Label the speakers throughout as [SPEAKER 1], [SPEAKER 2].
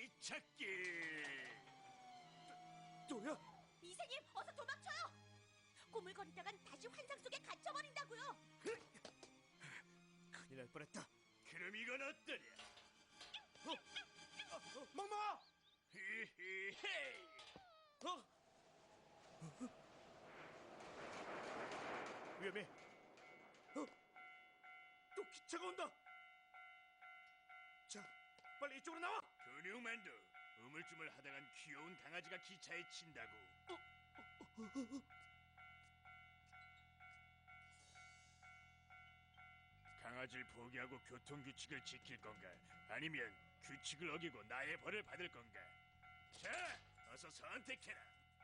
[SPEAKER 1] 기찻길.
[SPEAKER 2] 또야?
[SPEAKER 3] 이생님, 어서 도망쳐요! 꼬물거리다간 다시 환상 속에 갇혀버린다고요!
[SPEAKER 2] 큰일 날 뻔했다.
[SPEAKER 1] 그럼 이건 어떠냐?
[SPEAKER 2] 멍멍아!
[SPEAKER 1] 히히헤이.
[SPEAKER 2] 위험해. 또 기차가 온다. 자, 빨리 이쪽으로 나와.
[SPEAKER 1] 근육만두, 우물쭈물 하다간 귀여운 강아지가 기차에 친다고. 강아지를 포기하고 교통규칙을 지킬 건가? 아니면 규칙을 어기고 나의 벌을 받을 건가? 자, 어서 선택해라.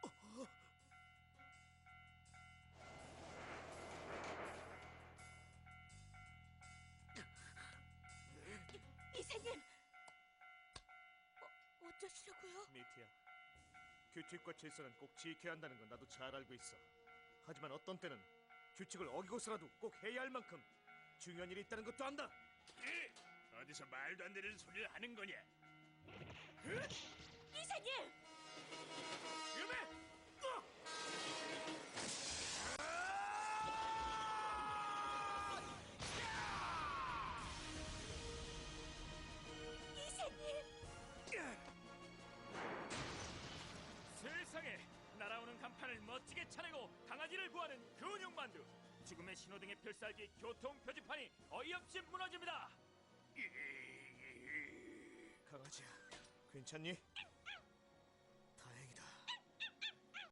[SPEAKER 3] 이생님! 어쩌시려고요?
[SPEAKER 2] 미티야, 규칙과 질서는 꼭 지켜야 한다는 건 나도 잘 알고 있어. 하지만 어떤 때는 규칙을 어기고서라도 꼭 해야 할 만큼 중요한 일이 있다는 것도 안다.
[SPEAKER 1] 어디서 말도 안 되는 소리를 하는 거냐?
[SPEAKER 3] 이생님!
[SPEAKER 2] 위험해!
[SPEAKER 3] 이생님!
[SPEAKER 4] 세상에, 날아오는 간판을 멋지게 차내고 강아지를 구하는 근육만두. 죽음의 신호등의 필살기 교통 표지판이 어이없이 무너집니다.
[SPEAKER 2] 강아지야, 괜찮니?